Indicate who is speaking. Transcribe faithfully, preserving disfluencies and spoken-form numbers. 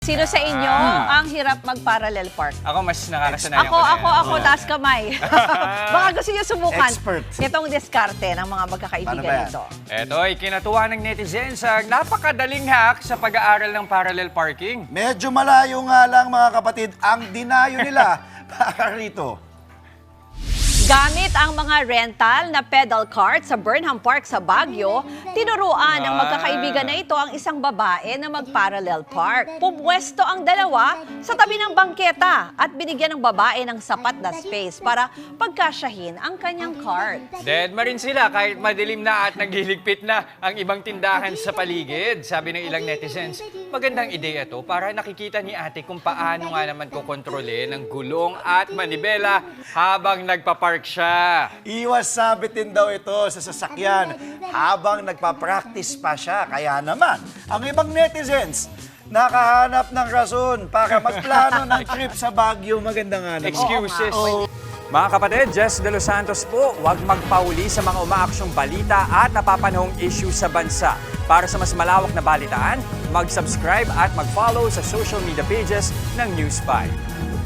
Speaker 1: Sino sa inyo ang hirap mag-parallel park?
Speaker 2: Ako mas nakakasanayan
Speaker 1: Ako,
Speaker 2: ko na
Speaker 1: ako,
Speaker 2: yan.
Speaker 1: ako, taas kamay. Baka gusto niyo subukan.
Speaker 3: Expert.
Speaker 1: Itong diskarte ng mga
Speaker 3: Paano
Speaker 1: magkakaibigan
Speaker 3: ba yan?
Speaker 1: nito.
Speaker 2: Ito ay kinatuwa ng netizens ang napakadaling hack sa pag-aaral ng parallel parking.
Speaker 3: Medyo malayo nga lang mga kapatid ang dinayo nila para rito.
Speaker 1: Gamit ang mga rental na pedal cart sa Burnham Park sa Baguio, tinuruan ng magkakaibigan na ito ang isang babae na mag-parallel park. Pumwesto ang dalawa sa tabi ng bangketa at binigyan ng babae ng sapat na space para pagkasyahin ang kanyang cart.
Speaker 2: Dead ma rin sila kahit madilim na at nagliligpit na ang ibang tindahan sa paligid. Sabi ng ilang netizens, magandang ideya to para nakikita ni ate kung paano nga naman kukontrolin ang gulong at manibela habang nagpa-park siya.
Speaker 3: Iwas sabitin daw ito sa sasakyan habang nagpa-practice pa siya. Kaya naman, ang ibang netizens nakahanap ng rason para magplano ng trip sa Baguio. Maganda nga naman.
Speaker 2: Excuses.
Speaker 3: Oo.
Speaker 2: Mga kapatid, Jess De Los Santos po, huwag magpauli sa mga umaaksyong balita at napapanahong issue sa bansa. Para sa mas malawak na balitaan, mag-subscribe at mag-follow sa social media pages ng News five.